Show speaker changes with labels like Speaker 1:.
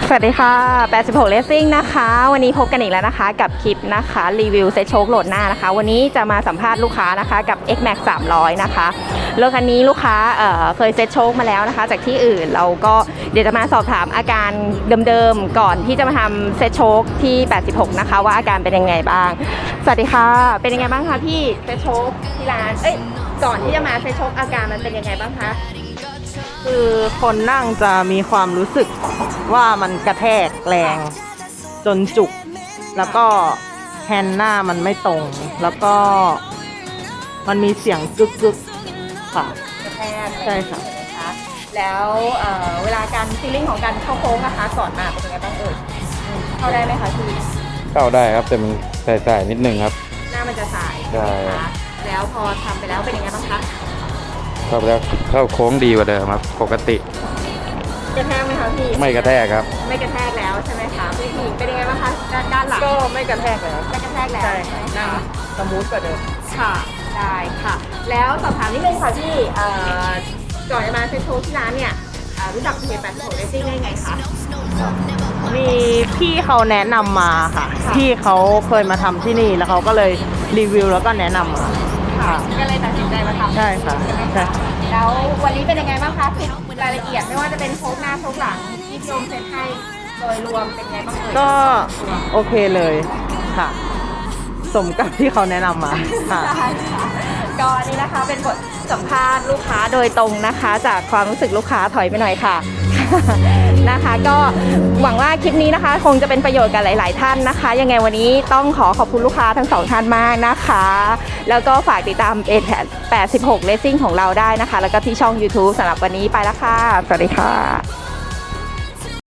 Speaker 1: สวัสดีค่ะ86 Racing นะคะวันนี้พบกันอีกแล้วนะคะกับคลิปนะคะรีวิวเซ็ตโชคโหลดหน้านะคะวันนี้จะมาสัมภาษณ์ลูกค้านะคะกับ X-Max 300นะคะรถคันนี้ลูกค้าเคยเซ็ตโชคมาแล้วนะคะจากที่อื่นเราก็เดี๋ยวจะมาสอบถามอาการเดิมๆก่อนที่จะมาทำเซ็ตโชคที่86นะคะว่าอาการเป็นยังไงบ้างสวัสดีค่ะเป็นยังไงบ้างคะพี่เซ็ตโชคที่ร้านก่อนที่จะมาเซ็ตโชคอาการมันเป็นยังไงบ้างคะ
Speaker 2: คือคนนั่งจะมีความรู้สึกว่ามันกระแทกแรงจนจุกแล้วก็แฮนด์หน้ามันไม่ตรงแล้วก็มันมีเสียงกึกๆค่ะ
Speaker 1: กระแทก
Speaker 2: ใช่ค่ะ
Speaker 1: แล้วเวลาการฟีลลิ่งของการเข้าโค้งนะคะก่อนมาเป็นยังไงบ้างเข้าได้ไหมคะพี่
Speaker 3: เข้าได้ครับแต่มันสายๆนิดนึงครับ
Speaker 1: หน้ามันจะสาย
Speaker 3: ใช่
Speaker 1: คะแล้วพอทำไปแล้วเป็นยังไงบ้างคะ
Speaker 3: เข้าไปแล้วเข้าโค้งดีกว่าเดิมครับปกติ
Speaker 1: กระแทกไหมคะพี่
Speaker 3: ไม่กระแทกครับ
Speaker 1: ไม่กระแทกแล้วใช่ไหมคะพี่หญิงเป็นยังไงบ้างคะด้านหลัง
Speaker 2: ก็ไม่กระแทกแล้ว
Speaker 1: ไม่กระแทกแล้ว
Speaker 2: ใช่นั่งสมูทกว่าเดิม
Speaker 1: ค่ะได้ค่ะแล้วสอบถามนิดนึงค่ะพี่ก่อนจะมาเซ็นโชว์ที่ร้านเนี่ยรู้จักเพจ86 Racing ได้ไงคะ
Speaker 2: มีพี่เขาแนะนำมาค่ะพี่เขาเคยมาทำที่นี่แล้วเขาก็เลยรีวิวแล้วก็แนะนำมา
Speaker 1: ค่ะก็เลยตัดสินใจมาทำ
Speaker 2: ใช่ค่ะใช่
Speaker 1: แล้ววันนี้เป็นยังไงบ้างคะรายละเอียดไม่ว่าจะเป็นโชคหน้าโชคหลังที่พี่โยมเซ็นให้โดยรวมเป็นไงบ้าง
Speaker 2: ก็โอเคเลยค่ะสมกับที่เขาแนะนำมาค่ะ
Speaker 1: ก็นี่นะคะเป็นบทสัมภาษณ์ลูกค้าโดยตรงนะคะจากความรู้สึกลูกค้าถอยไปหน่อยค่ะนะคะก็หวังว่าคลิปนี้นะคะคงจะเป็นประโยชน์กับหลายๆท่านนะคะยังไงวันนี้ต้องขอบคุณลูกค้าทั้งสองท่านมากนะคะแล้วก็ฝากติดตาม86 Racing ของเราได้นะคะแล้วก็ที่ช่อง YouTube สำหรับวันนี้ไปแล้วค่ะสวัสดีค่ะ